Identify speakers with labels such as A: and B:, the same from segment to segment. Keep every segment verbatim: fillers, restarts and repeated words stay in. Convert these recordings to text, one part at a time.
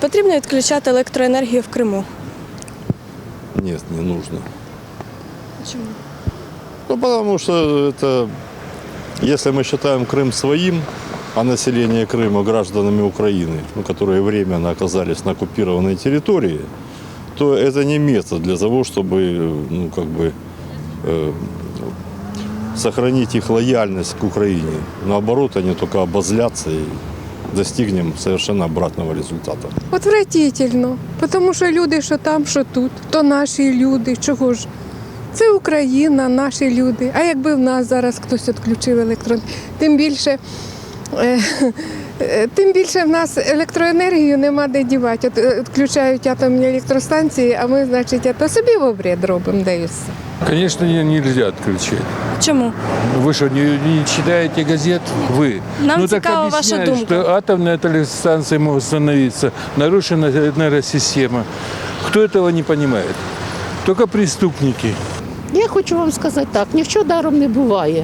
A: потрібно відключати електроенергію в Криму?
B: Нет, не нужно.
A: Чому?
B: Ну, потому что это, если мы считаем Крым своим, а население Крыма гражданами Украины, ну, которые временно оказались на оккупированной территории, то это не метод для того, чтобы, ну, как бы, э, сохранить их лояльность к Украине. Наоборот, они только обозлятся и достигнем совершенно обратного результата.
C: Отвратительно, тому що люди, що там, що тут, то наші люди, чого ж? Це Україна, наші люди. А якби в нас зараз хтось відключив електрон, тим більше, е, е, тим більше в нас електроенергію нема де дівати. От, е, відключають атомні електростанції, а ми, значить, то собі в обряд робимо, де і все.
D: Конечно, ее нельзя отключить.
A: Чому?
D: Вы что, не, не читаете газет? Вы.
A: Нам
D: ну так
A: цікава ваша
D: объясняют,
A: думка.
D: что атомные электростанции могут становиться, нарушена энергосистема. Кто этого не понимает? Только преступники.
E: Я хочу вам сказати так, нічого даром не буває.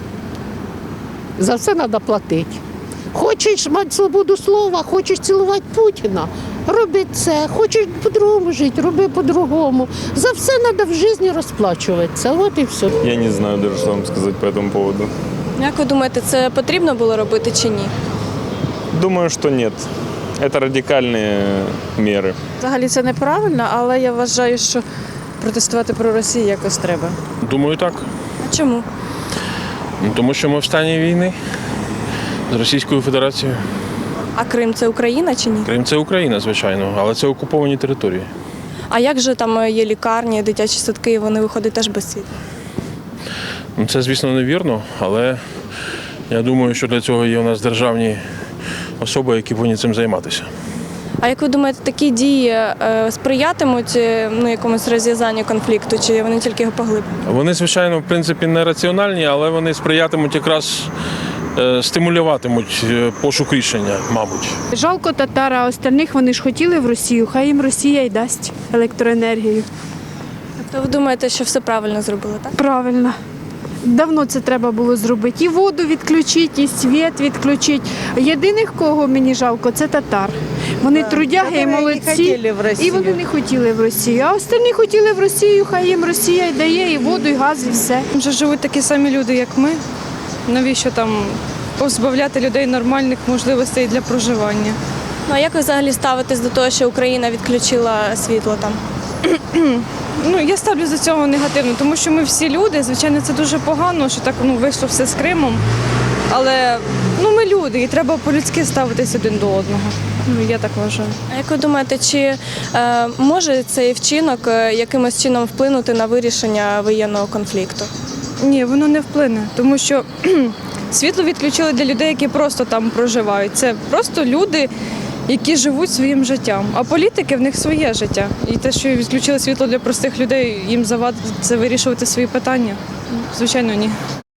E: За все треба платити. Хочеш мати свободу слова, хочеш цілувати Путіна, роби це. Хочеш по-другому жити, роби по-другому. За все треба в житті розплачуватися. От і все.
F: Я не знаю даже, что вам сказать по этому поводу.
A: Як ви думаєте, це потрібно було робити чи ні?
F: Думаю, что нет. Это радикальные меры.
G: Взагалі це неправильно, але я вважаю, що протестувати про Росію якось треба.
H: Думаю, так.
A: А чому?
H: Ну, тому що ми в стані війни з Російською Федерацією.
A: А Крим – це Україна чи ні?
H: Крим – це Україна, звичайно, але це окуповані території.
A: А як же там є лікарні, дитячі садки, і вони виходять теж без світла?
H: Ну, це, звісно, невірно, але я думаю, що для цього є у нас державні особи, які повинні цим займатися.
A: А як ви думаєте, такі дії е, сприятимуть е, ну, якомусь розв'язанню конфлікту, чи вони тільки його поглиблять?
H: Вони, звичайно, в принципі, не раціональні, але вони сприятимуть якраз, е, стимулюватимуть е, пошук рішення, мабуть.
I: Жалко татар, а остальних вони ж хотіли в Росію, хай їм Росія й дасть електроенергію.
A: Тобто ви думаєте, що все правильно зробили, так?
I: Правильно. Давно це треба було зробити. І воду відключити, і світ відключити. Єдиних, кого мені жалко, це татар. Вони трудяги і молодці, і вони не хотіли в Росію. А остальні хотіли в Росію, хай їм Росія й дає, і воду, і газ, і все.
J: Вже живуть такі самі люди, як ми. Навіщо там позбавляти людей нормальних можливостей для проживання?
A: Ну, а як ви взагалі ставитесь до того, що Україна відключила світло там?
J: Ну, я ставлю до цього негативно, тому що ми всі люди, звичайно, це дуже погано, що так ну, вийшло все з Кримом. Але ну, ми люди, і треба по-людськи ставитись один до одного. Ну, я так вважаю.
A: А як ви думаєте, чи е, може цей вчинок е, якимось чином вплинути на вирішення воєнного конфлікту?
J: Ні, воно не вплине, тому що світло відключили для людей, які просто там проживають. Це просто люди, які живуть своїм життям. А політики в них своє життя. І те, що відключили світло для простих людей, їм завадить це вирішувати свої питання? Звичайно, ні.